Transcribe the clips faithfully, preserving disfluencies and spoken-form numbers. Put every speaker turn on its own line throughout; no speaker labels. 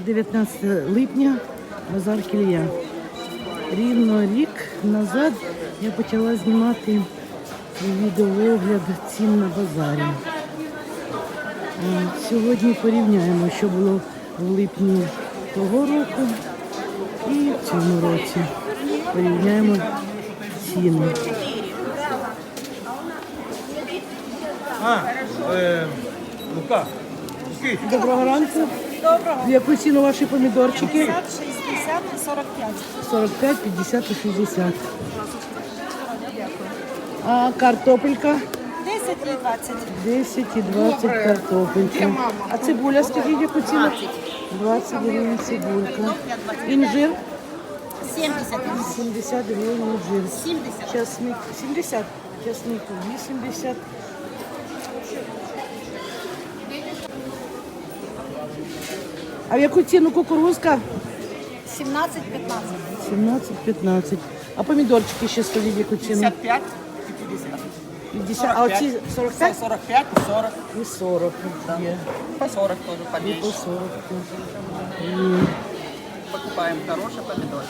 дев'ятнадцяте липня, базар Кілія. Рівно рік назад я почала знімати відеоогляд цін на базарі. Сьогодні порівняємо, що було в липні того року і в цьому році. Порівняємо ціни.
А, е, Лука.
Доброго ранку.
Доброго.
В яку ціну ваші помідорчики?
п'ятдесят, шістдесят і сорок п'ять.
сорок п'ять, п'ятдесят і шістдесят. А картопелька?
десять і двадцять.
десять і двадцять картопелька. А цибуля, скажіть, яку ціну? двадцять гривень цибулька. Інжир?
сімдесят.
сімдесят гривень інжир.
сімдесят.
Часник сімдесят. Часник вісімдесят. А в яку ціну кукурузка?
сімнадцять п'ятнадцять.
сімнадцять п'ятнадцять. А помідорчики ще скажіть, яку ціну?
п'ятдесят п'ять і п'ятдесят.
п'ятдесят. А оці сорок
Це
п'ять?
сорок п'ять і сорок.
І сорок є.
По сорок тоже
І по
поменьше.
сорок теж. Є.
Покупаем хорошие помидоры.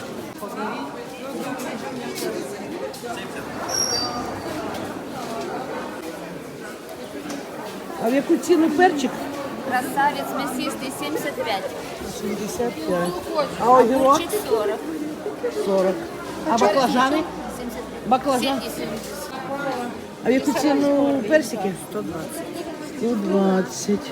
А в яку ціну перчик?
Красавец мясистый семьдесят пять.
сімдесят п'ять. А огірок?
Огурчик сорок.
сорок. А баклажани?
семьдесят.
Баклажан.
семьдесят.
А в яку ціну персики? сто двадцять. сто двадцять.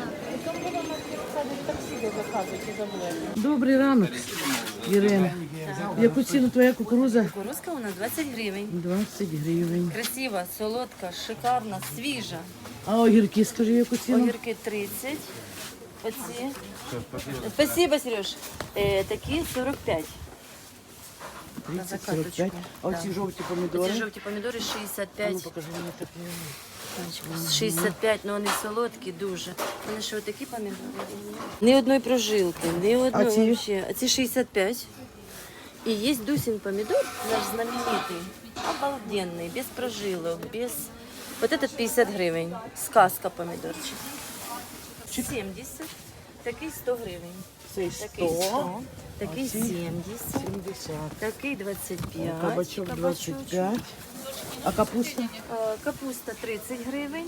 Добрий ранок, Ірина. В яку ціну твоя кукуруза?
Кукурузка у нас двадцать гривень.
двадцять гривень.
Красива, солодка, шикарна, свіжа.
А огірки, скажи, яку ціну?
Огірки тридцать. Оці. Спасибо, Сереж. Е, такі сорок п'ять.
тридцять сорок п'ять. А оці жовті помідори?
Ці жовті помідори шістдесят
А ну,
п'ять.
покажи мені такі.
шістдесят п'ять, але вони солодкі дуже. Вони що, такі помідори? Ні одної прожилки, ні одної
А ці?
вообще. А ці шістдесят п'ять. І є Дусин помидор, наш знаменитый, обалденный, без прожилок, без... Вот этот п'ятдесят гривень, сказка помидорчик. сімдесят, такий сто гривень.
Цей
Такий
сто,
сто, такий
ці?
сімдесят,
сімдесят.
такий двадцять п'ять.
Кабачок двадцять п'ять. А капуста?
Е, Капуста тридцять гривень.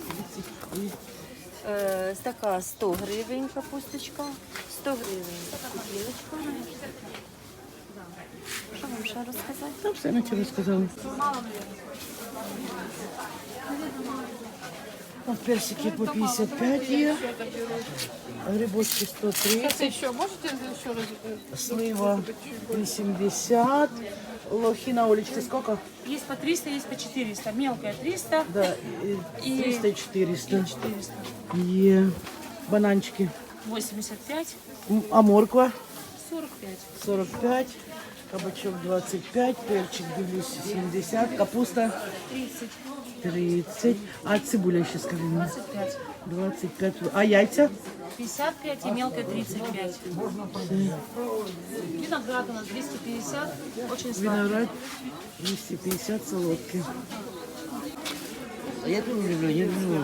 Е, Така сто гривень капусточка, сто гривень купілочка. Що вам ще розказати?
Там все на тебе сказали. От персики по п'ятдесят п'ять є. Грибочки сто тридцать.
Еще можете еще раз?
Слива вісімдесят. Лохина, Олечки, сколько?
Есть по триста, есть по четыреста. Мелкая триста
Да, і
И-
триста і чотириста.
и четыреста.
Є. Бананчики.
восемьдесят пять,
М, А морква?
сорок пять.
сорок п'ять. Кабачок двадцять п'ять. Перчик, дивлюсь, сімдесят. Капуста
тридцать,
тридцать. А цибуля ще скажи мені.
двадцать пять.
двадцять п'ять. А яйця?
пятьдесят пять и мелкая тридцать пять. Виноград у нас двести пятьдесят. Очень сладкий.
Виноград двісті п'ятдесят солодкий.
Я тут не люблю, я люблю.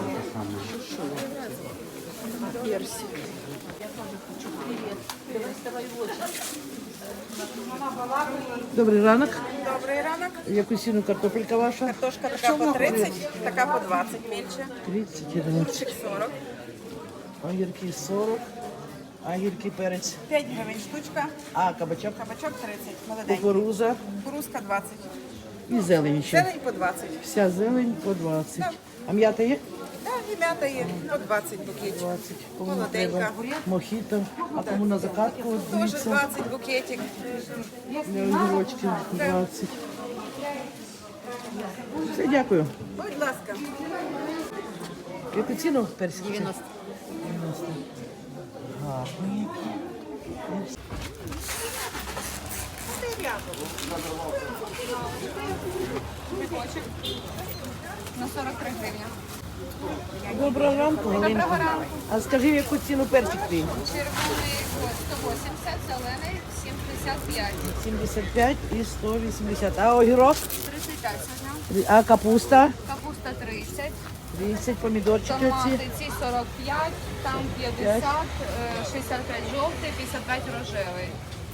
Добрий ранок.
Добрий ранок.
В яку ціну картопелька ваша?
Картошка така по тридцять, така по двадцять менше.
тридцять і двадцять.
Чик сорок.
Огірки сорок. Огірки перець.
п'ять гривень штучка.
А кабачок?
Кабачок тридцять. Молоденький.
Кукуруза
Кукурузка двадцять.
і зелень ще.
Зелень по двадцять.
Вся зелень по двадцять. А м'ята є?
Так, і м'ята є по двадцять букетик.
двадцять. Кому
Молоденька.
треба? Мохіто. А кому на закатку? От
Теж
дивіться.
двадцять букетик.
Для огірочків двадцять. Все, дякую.
Будь ласка.
В яку ціну персик? дев'яносто. дев'яносто. Гарний.
На сорок три гривні.
Доброго ранку, Галинка.
Доброго ранку.
А скажи, в яку ціну перчик твій?
Червоний сто вісімдесят, зелений сімдесят п'ять.
сімдесят п'ять і сто вісімдесят. А огірок?
тридцять п'ять сьогодні.
А капуста?
Капуста тридцять.
тридцять, помідорчики оці.
Томати ці сорок п'ять, там п'ятдесят, е, шістдесят п'ять жовтий, п'ятдесят п'ять рожевий.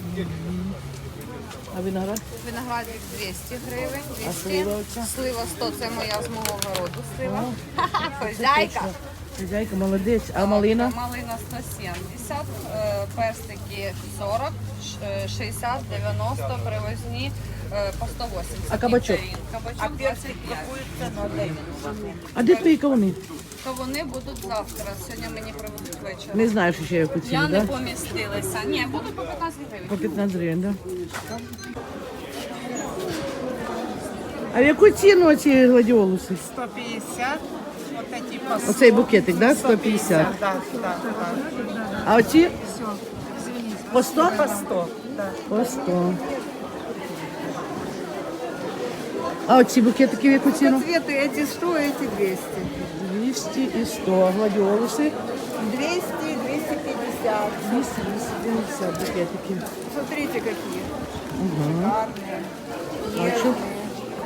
А виноград?
Виноградник двісті гривень,
А
двісті.
слива оця?
Слива сто, це моя з мого городу слива. Хозяйка.
Хазяйка, молодець. А малина?
Малина сто сімдесят, е, персики сорок, ш- е, шістдесят, дев'яносто, привозні е, по сто вісімдесят.
А кабачок?
Нектарин. Кабачок двадцять п'ять.
А де твої кавуни?
То вони будуть завтра. Сьогодні мені привезуть ввечері.
Не знаєш, що я яку ціну,
Я не
так?
помістилася. Ні, буду по п'ятнадцять гривень.
По п'ятнадцять гривень, так? А в яку ціну оці гладіолуси?
сто пятьдесят, вот эти по
Оцей букетик, так? сто п'ятдесят.
Да, да, да.
А оці? По сто?
По сто, да.
По сто. А оці букетики в яку ціну?
Цветы эти сто, эти двести.
двісті і сто. Гладіолуси?
двести, двести пятьдесят.
двісті, двісті п'ятдесят букетики.
Смотрите, какие. Шикарные.